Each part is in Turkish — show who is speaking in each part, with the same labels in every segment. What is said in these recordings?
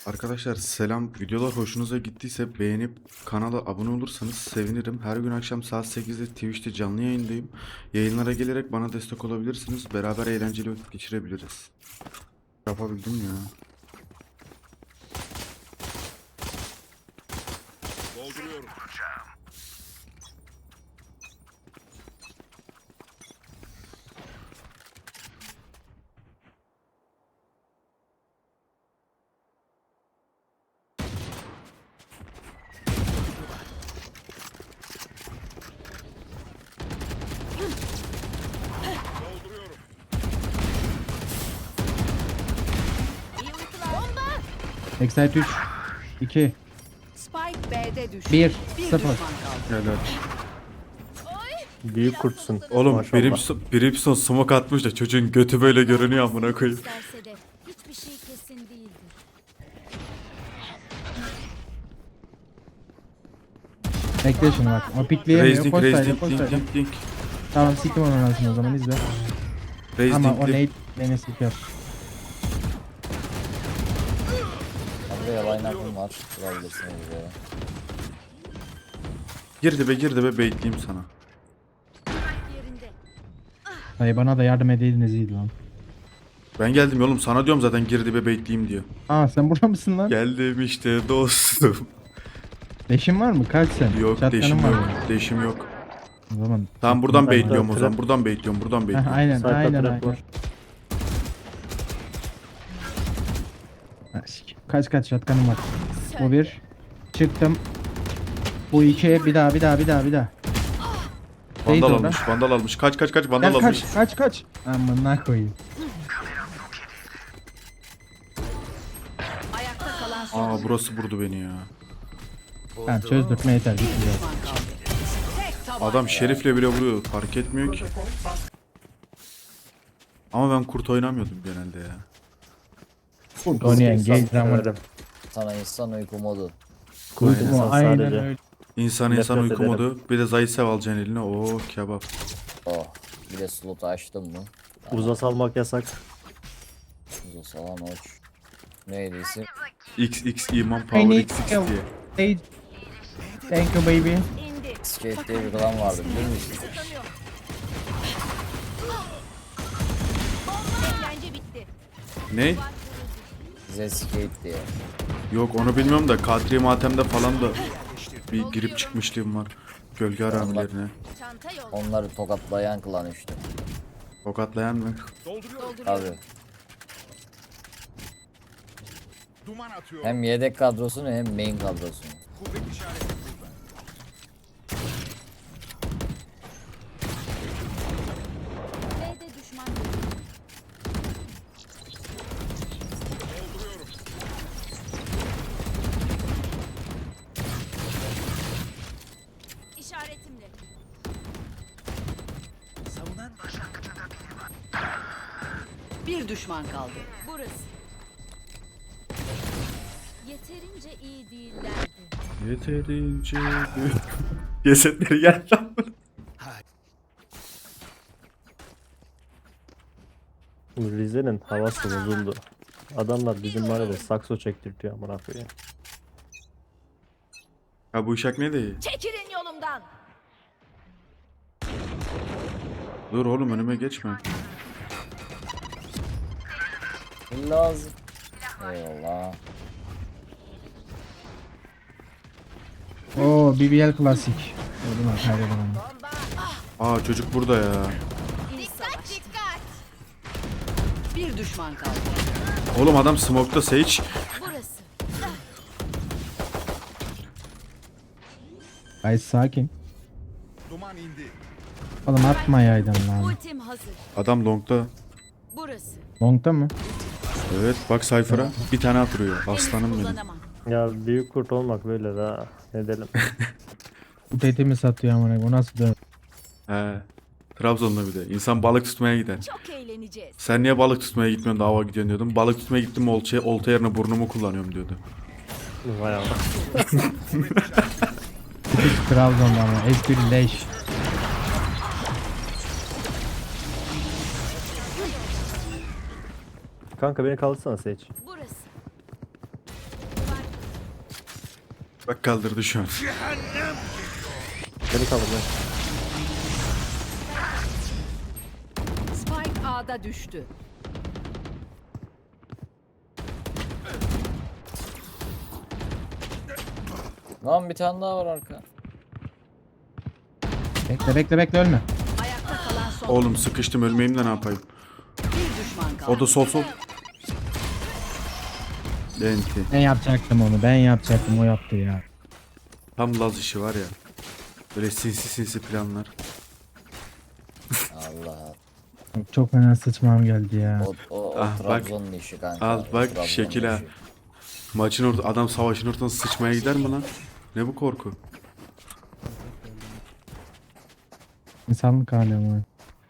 Speaker 1: Arkadaşlar selam. Videolar hoşunuza gittiyse beğenip kanala abone olursanız sevinirim. Her gün akşam saat 8'de Twitch'te canlı yayındayım. Yayınlara gelerek bana destek olabilirsiniz. Beraber eğlenceli vakit geçirebiliriz. Yapabildim ya.
Speaker 2: Dolduruyorum. Dolduruyorum.
Speaker 3: Excite 3 2
Speaker 4: Spike B'de düştü.
Speaker 3: 1
Speaker 4: Bir
Speaker 3: 0
Speaker 4: düşman kaldı.
Speaker 1: Helal.
Speaker 5: Büyük kurtsun.
Speaker 1: Oğlum
Speaker 5: Maşallah.
Speaker 1: Brimstone smoke atmış da çocuğun götü böyle görünüyor amına koyayım.
Speaker 6: İsterse de hiçbir şey kesin değildir.
Speaker 3: Bekle şunu bak. O pikleyemiyor.
Speaker 1: Raising,
Speaker 3: Koş sayda,
Speaker 1: raising,
Speaker 3: koş
Speaker 1: dink,
Speaker 3: sayda.
Speaker 1: dink, dink.
Speaker 3: Tamam sikim onun arasını o zaman izle. Ama
Speaker 1: Raising,
Speaker 3: o
Speaker 1: dink.
Speaker 3: nade beni siker.
Speaker 7: Abi yalan aklım var. Bulabilirsiniz buraya.
Speaker 1: Gir dibe bekleyeyim sana.
Speaker 6: Yerinde.
Speaker 3: Dayı bana da yardım edeydiniz iyiydi lan.
Speaker 1: Ben geldim oğlum, sana diyorum zaten gir dibe bekleyeyim diyor.
Speaker 3: Aa sen burada mısın lan?
Speaker 1: Geldim işte dostum.
Speaker 3: Leşin var mı? Kaç sen?
Speaker 1: Yok
Speaker 3: Shotgun'ın
Speaker 1: deşim
Speaker 3: var
Speaker 1: yok.
Speaker 3: mı?
Speaker 1: Deşim yok.
Speaker 3: O zaman.
Speaker 1: Tamam buradan
Speaker 5: Ben
Speaker 1: bekliyorum o
Speaker 5: trap-
Speaker 1: zaman. Buradan bekliyorum. Buradan
Speaker 3: Heh,
Speaker 1: bekliyorum.
Speaker 3: aynen
Speaker 5: Sağda
Speaker 3: aynen
Speaker 5: trap
Speaker 3: aynen.
Speaker 5: var.
Speaker 3: Ha, kaç shotgun'ım var. Bu bir. Çıktım. Bu iki. Bir daha. Neydi
Speaker 1: Vandal
Speaker 3: orada?
Speaker 1: almış. Vandal almış. Kaç vandal
Speaker 3: Gel
Speaker 1: almış.
Speaker 3: kaç. Amına koyayım.
Speaker 4: Ayakta kalan son
Speaker 1: Aa burası vurdu beni ya.
Speaker 3: Tamam çözdürtme yeter. Bitti zaten.
Speaker 4: düşman kaldı. Tek taban.
Speaker 1: Adam şerifle bile vuruyor. Fark etmiyor ki. Ama ben kurt oynamıyordum genelde ya.
Speaker 3: Oynayan
Speaker 5: İnsan
Speaker 3: gay drama.
Speaker 5: severim.
Speaker 7: Sana insan uyku modu.
Speaker 5: Kurt
Speaker 1: Aynen.
Speaker 5: insan
Speaker 3: Aynen
Speaker 5: sadece.
Speaker 3: öyle.
Speaker 1: İnsan
Speaker 5: Nefret
Speaker 1: uyku
Speaker 5: ederim.
Speaker 1: modu. Bir de Zaysev alacaksın eline. Oo kebap.
Speaker 7: Oh. Bir de slotu açtım mı?
Speaker 5: Uza salmak yasak.
Speaker 7: Uza salan uç. Neydi isim?
Speaker 1: XX iman
Speaker 3: I
Speaker 1: power
Speaker 3: need
Speaker 1: XX
Speaker 3: help.
Speaker 1: diye.
Speaker 3: Hey. Thank you baby.
Speaker 6: İndi.
Speaker 7: Skate diye bir klan vardı bilir misin?
Speaker 6: Kısıtlanıyor. Eğlence bitti.
Speaker 1: Ne?
Speaker 7: Bize skate diye.
Speaker 1: Yok onu bilmiyorum da Kadri Matem'de falan da bir girip çıkmışlığım var. Gölge haramilerine.
Speaker 6: Çanta yol.
Speaker 7: Onları tokatlayan klan işte.
Speaker 1: Tokatlayan mı?
Speaker 2: Dolduruyorum.
Speaker 7: Abi.
Speaker 2: Duman atıyorum.
Speaker 7: Hem yedek kadrosunu hem main kadrosunu.
Speaker 2: Kuvvet işareti burada.
Speaker 6: B'de düşman görüldü.
Speaker 2: Dolduruyorum.
Speaker 6: İşaretimle.
Speaker 4: Bir düşman kaldı.
Speaker 6: Burası. Yeterince iyi değillerdi.
Speaker 1: Yeterince cesetleri gel lan.
Speaker 5: Rize'nin havası bozuldu. Adamlar bizim mahallede sakso çektirtiyor amına koyayım.
Speaker 1: Ha bu uşak ne değil?
Speaker 6: Çekilin yolumdan.
Speaker 1: Dur oğlum önüme geçme.
Speaker 7: Lazım. Eyvallah.
Speaker 3: Oo BBL klasik. Gördün mü? Kaybedemem.
Speaker 1: Aa çocuk burada ya.
Speaker 6: Dikkat dikkat.
Speaker 4: Bir düşman kaldı.
Speaker 1: Oğlum adam smoke'ta Sage.
Speaker 6: Burası.
Speaker 3: Guys sakin.
Speaker 2: Duman indi.
Speaker 3: Oğlum atmayaydın lan.
Speaker 6: Ultim hazır.
Speaker 1: Adam long'da.
Speaker 6: Burası.
Speaker 3: Long'da mı?
Speaker 1: Evet bak Cypher'a bir tane atırıyor. Aslanım benim.
Speaker 6: Kullanamam.
Speaker 5: Ya büyük kurt olmak böyle daha ne edelim.
Speaker 3: Bu tetimi satıyor amına. Bu nasıl dön?
Speaker 1: He. Trabzon'da bir de. İnsan balık tutmaya gider.
Speaker 6: Çok eğleneceğiz.
Speaker 1: Sen niye balık tutmaya gitmiyorsun da hava gidiyorsun diyordum. Balık tutmaya gittim olta yerine burnumu kullanıyorum diyordu.
Speaker 5: Vay Allah.
Speaker 3: Hiç Trabzon'da ama. Espri leş.
Speaker 5: Kanka beni kaldırsana Seç.
Speaker 6: Burası.
Speaker 1: Bak kaldırdı şu an.
Speaker 5: Beni kaldır lan.
Speaker 4: Spike A'da düştü.
Speaker 7: Lan bir tane daha var arka.
Speaker 3: Bekle ölme.
Speaker 4: Ayakta kalan son.
Speaker 1: Oğlum sıkıştım ölmeyeyim de ne yapayım.
Speaker 4: Bir düşman kaldı.
Speaker 1: O da sol. Lenti.
Speaker 3: Ben yapacaktım onu. Ben yapacaktım. O yaptı ya.
Speaker 1: Tam Laz işi var ya. Böyle sinsi planlar.
Speaker 7: Allah.
Speaker 3: Çok fena sıçmam geldi ya.
Speaker 7: O
Speaker 1: Ah, bak.
Speaker 7: Trabzon'un işi kanka.
Speaker 1: Al
Speaker 7: o
Speaker 1: bak
Speaker 7: Trabzon'un
Speaker 1: şekil ha.
Speaker 7: işi.
Speaker 1: Maçın orta adam savaşın ortasına sıçmaya gider mi lan? Ne bu korku?
Speaker 3: İnsanlık hali ama.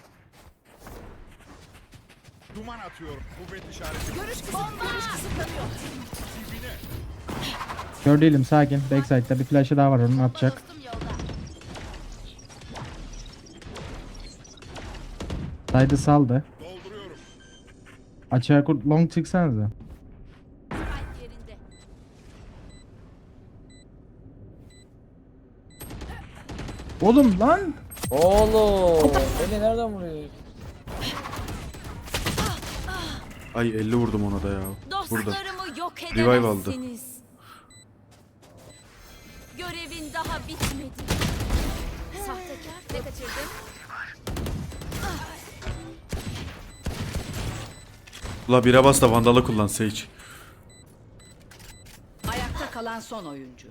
Speaker 2: Duman atıyorum. Kuvvet işareti.
Speaker 6: Görüş kısıtlanıyor.
Speaker 3: Kör değilim, sakin. Backside'da bir flash'ı daha var, onun atacak.
Speaker 6: Dostum yolda.
Speaker 3: Side'ı saldı.
Speaker 2: Dolduruyorum.
Speaker 3: Açığa kurt long çıksanıza.
Speaker 6: Spike yerinde.
Speaker 3: Oğlum lan!
Speaker 7: Oğlum. Beni nereden vuruyor?
Speaker 1: Ay 50 vurdum ona da ya. Burada.
Speaker 6: Dostlarımı yok
Speaker 1: Revive aldı.
Speaker 6: edemezsiniz. Görevin daha bitmedi. Sahtekar. Ne kaçırdın?
Speaker 1: La bire bas da vandalı kullan Sage.
Speaker 4: Ayakta kalan son oyuncu.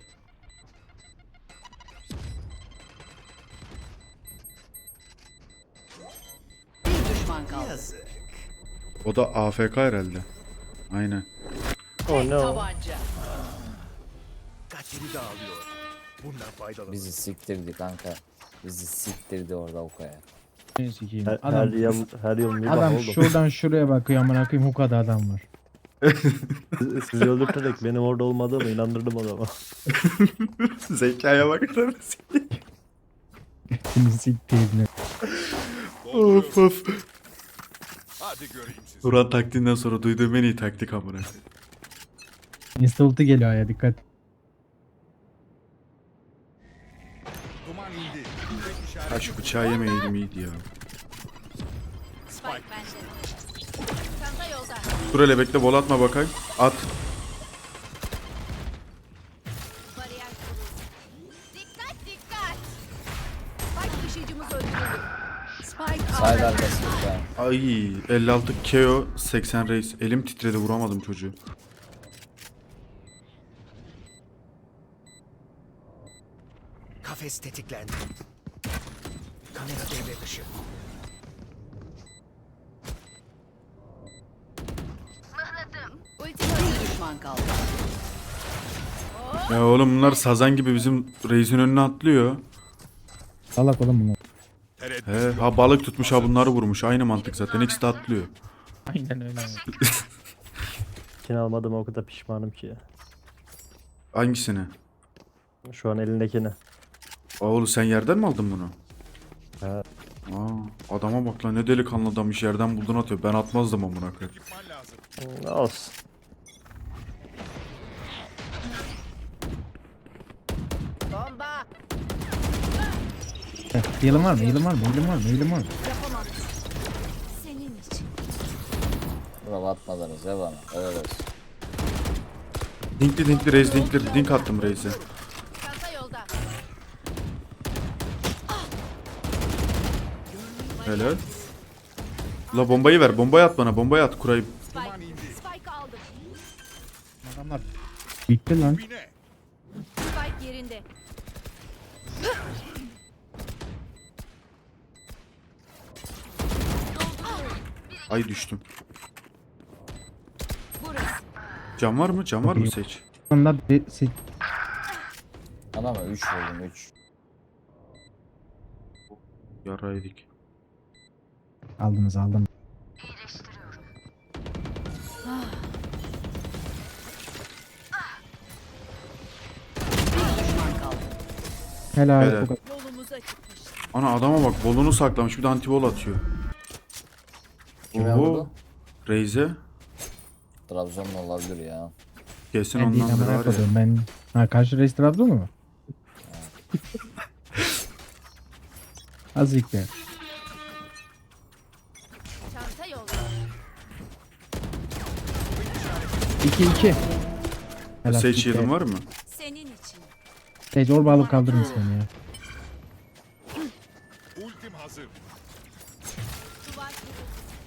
Speaker 4: Bir düşman kaldı.
Speaker 1: O da AFK herhalde. Aynen.
Speaker 5: Oh no.
Speaker 4: Tabanca.
Speaker 2: Katili dağılıyor. Bundan faydalı.
Speaker 7: Bizi siktirdi kanka. Bizi siktirdi orada Okaya.
Speaker 3: Ben sikeyim.
Speaker 5: Her
Speaker 3: Adam,
Speaker 5: yıl bir bak
Speaker 3: adam
Speaker 5: oğlum.
Speaker 3: şuradan şuraya bakıyor, amına koyayım, hukada adam var.
Speaker 5: Sizi öldürterek benim orada olmadığımı inandırdım adama.
Speaker 1: Zekaya bakar mısın?
Speaker 3: Seni siktiğini.
Speaker 1: Of of.
Speaker 2: Hadi göreyim sizi.
Speaker 1: Turan taktiğinden sonra duyduğum en iyi taktik amına.
Speaker 3: Insta ulti geliyor ya, dikkat.
Speaker 2: Duman indi. Kuvvet işareti.
Speaker 1: Ha şu bıçağı yemeyeydim iyiydi ya.
Speaker 6: Spike bende. Çanta yolda.
Speaker 1: Dur hele bekle bol atma bakayım. At.
Speaker 6: Bariyer kuruldu. Dikkat dikkat. Spike taşıyıcımız öldürüldü.
Speaker 4: Spike
Speaker 7: Side
Speaker 4: A'da
Speaker 7: arkası lütfen.
Speaker 1: Ay 56 KO 80 reis. Elim titredi vuramadım çocuğu.
Speaker 2: Kafes tetiklendi. Kamera devre dışı.
Speaker 6: Ulti
Speaker 4: bir düşman kaldı.
Speaker 1: Ya oğlum bunlar sazan gibi bizim reisin önüne atlıyor.
Speaker 3: Salak oğlum bunu.
Speaker 1: He ha balık tutmuş ha bunları vurmuş. Aynı mantık zaten ikisi de atlıyor.
Speaker 3: Aynen öyle.
Speaker 5: İkini almadığıma o kadar pişmanım ki ya.
Speaker 1: Hangisini?
Speaker 5: Şu an elindekini.
Speaker 1: Oğlum sen yerden mi aldın bunu?
Speaker 5: Ha.
Speaker 1: Aa, adama bak lan ne delikanlı adammış yerden buldun atıyor. Ben atmazdım amına koyayım.
Speaker 2: Ekipman lazım.
Speaker 5: Olsun.
Speaker 6: bomba.
Speaker 3: Heal'ım var mı? Heal'ım var mı? Heal'ım var mı? Heal'ım var mı?
Speaker 6: Yapamam. Senin için.
Speaker 7: Bravo atmadınız ya bana. Evet olsun.
Speaker 1: Dinkli reis dinkli dink attım reise.
Speaker 6: Çanta yolda.
Speaker 1: Helal. La bombayı ver bombayı at bana bombayı at kurayım.
Speaker 2: Duman indi.
Speaker 6: Spike aldım.
Speaker 3: Adamlar bitti lan.
Speaker 2: Bine.
Speaker 6: Spike yerinde.
Speaker 1: Ay düştüm.
Speaker 6: Burası.
Speaker 1: Cam var mı? Cam var mı seç?
Speaker 3: Onlar
Speaker 7: Adama 3 vurdum 3.
Speaker 1: Yaraydık.
Speaker 3: aldınız.
Speaker 4: Bir düşman kaldı.
Speaker 3: Helal.
Speaker 1: Helal.
Speaker 3: Bu kadar.
Speaker 6: Yolumuza çıkmış.
Speaker 1: Ana adama bak bolunu saklamış bir de antibol atıyor.
Speaker 7: Kime
Speaker 1: Oho.
Speaker 7: vurdu?
Speaker 1: Reize.
Speaker 7: Trabzon'un olabilir ya.
Speaker 1: Kesin
Speaker 3: Ben değil
Speaker 1: ondan
Speaker 3: amına
Speaker 1: var ya.
Speaker 3: koyduğum ben. Ha karşı reis Trabzon mu? Azıcık be.
Speaker 6: Çanta yolda.
Speaker 3: 2-2. Helal
Speaker 1: Sage
Speaker 3: gitti.
Speaker 1: yılın var mı?
Speaker 6: Senin için.
Speaker 3: Sage orba alıp kaldırın seni ya.
Speaker 8: Ultim hazır.
Speaker 6: Duvar kırıldı.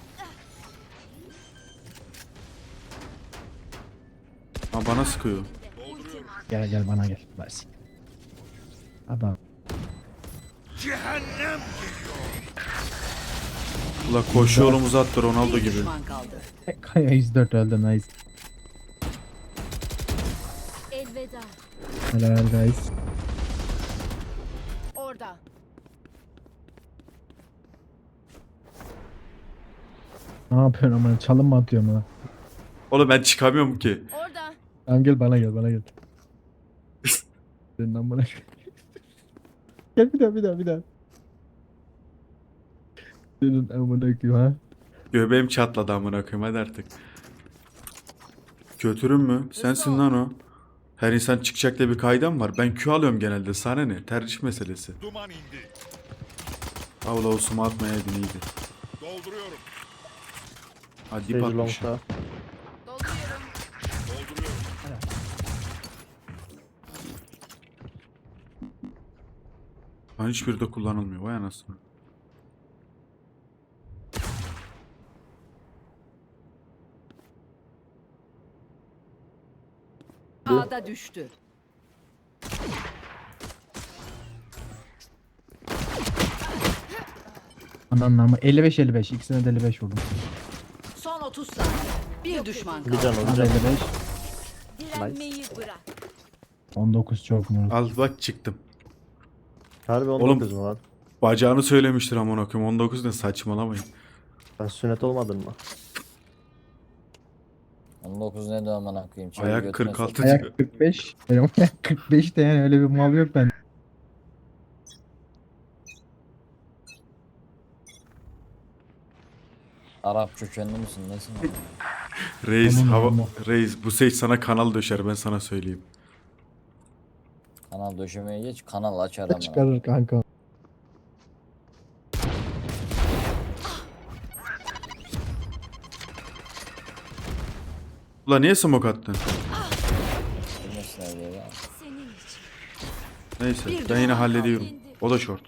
Speaker 1: Ha bana sıkıyor.
Speaker 3: Gel gel bana gel. Bas. Adam.
Speaker 1: Ula koşu yolumuzu attı Ronaldo
Speaker 4: Bir
Speaker 1: gibi.
Speaker 4: düşman kaldı.
Speaker 3: Kaya 104 öldü nice.
Speaker 6: Elveda.
Speaker 3: Helal guys.
Speaker 6: Orada.
Speaker 3: Ne yapıyorsun ama çalım mı atıyorum ha?
Speaker 1: Oğlum ben çıkamıyorum ki.
Speaker 6: Orada.
Speaker 3: Tamam gel bana gel bana gel. Senin amına gel. Gel bir daha. Senin amına koyayım ha.
Speaker 1: Göbeğim çatladı amına koyayım hadi artık. Götürün mü? Sensin lan o. Her insan çıkacak diye bir kaydam var. Ben Q alıyorum genelde. Sana ne? Tercih meselesi.
Speaker 8: Duman indi.
Speaker 1: Avla olsun atmayaydın iyiydi.
Speaker 8: Dolduruyorum.
Speaker 1: Hadi
Speaker 5: Sage
Speaker 1: dip atmış.
Speaker 5: long'da.
Speaker 6: Dolduruyorum.
Speaker 8: Dolduruyorum.
Speaker 1: Lan hiçbiri de kullanılmıyor. Vay anasını.
Speaker 4: A'da düştü.
Speaker 3: Ananın ama 55-55 ikisine de 55 vurdum.
Speaker 4: Son 30 saniye. Bir düşman
Speaker 5: Bir
Speaker 4: kaldı.
Speaker 5: can bir
Speaker 3: Hadi
Speaker 5: can.
Speaker 3: 55.
Speaker 6: Direnmeyi bırak.
Speaker 3: 19 çok mu?
Speaker 1: Al bak çıktım.
Speaker 5: Harbi
Speaker 1: Oğlum.
Speaker 5: 19 mu lan?
Speaker 1: Bacağını söylemiştir amına koyayım. 19 ne saçmalamayın.
Speaker 5: Sen sünnet olmadın mı?
Speaker 7: 19 ne de aman koyayım. Çevir
Speaker 1: Ayak
Speaker 7: götüne
Speaker 1: 46
Speaker 7: sok.
Speaker 3: Ayak 45. Benim ayak 45 de yani öyle bir mal yok bende.
Speaker 7: Arap kökenli misin? Nesin? lan?
Speaker 1: Reis
Speaker 3: Aman
Speaker 1: hava
Speaker 3: aman.
Speaker 1: reis bu Sage sana kanal döşer ben sana söyleyeyim.
Speaker 7: Kanal döşemeye geç. Kanal açar hemen.
Speaker 3: Çıkarır kanka.
Speaker 1: Ula niye smoke attın?
Speaker 7: Bilmesin öyle ya.
Speaker 6: Senin için.
Speaker 1: Neyse
Speaker 4: Bir
Speaker 1: ben yine
Speaker 4: düşman
Speaker 1: hallediyorum.
Speaker 6: kaldı.
Speaker 1: O da short.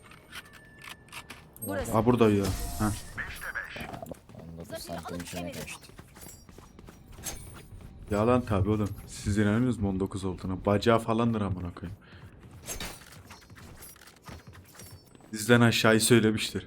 Speaker 6: Burası.
Speaker 1: Ha burada ya. Ha.
Speaker 7: 19 santim içine kaçtı.
Speaker 1: Yalan tabi oğlum. Siz inanıyorsunuz mu 19 olduğuna? Bacağı falandır amına koyayım. Bizden aşağıyı söylemiştir.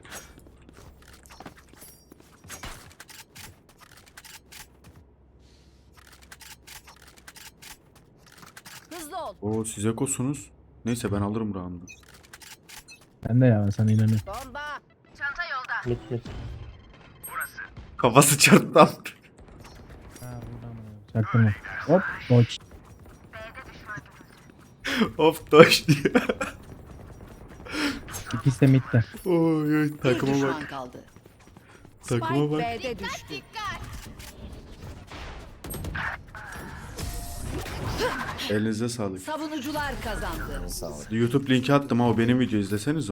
Speaker 6: Hızlı ol.
Speaker 1: Oo siz ekosunuz. Neyse ben alırım round'u.
Speaker 3: Ben de ya sana inanıyorum.
Speaker 6: Bomba. Çanta yolda.
Speaker 5: Mit mit.
Speaker 1: Kafası çarptı attı.
Speaker 3: Çaktırma. Hop. Boş.
Speaker 1: Of doş diye.
Speaker 3: İkisi de midde.
Speaker 1: Oy oy
Speaker 4: Bir
Speaker 1: takıma
Speaker 4: düşman
Speaker 1: bak.
Speaker 4: kaldı.
Speaker 1: Takıma bak.
Speaker 4: B'de düştü.
Speaker 1: Elinize sağlık.
Speaker 4: Savunucular kazandı.
Speaker 7: Sağ ol.
Speaker 1: YouTube linki attım ha o benim video izleseniz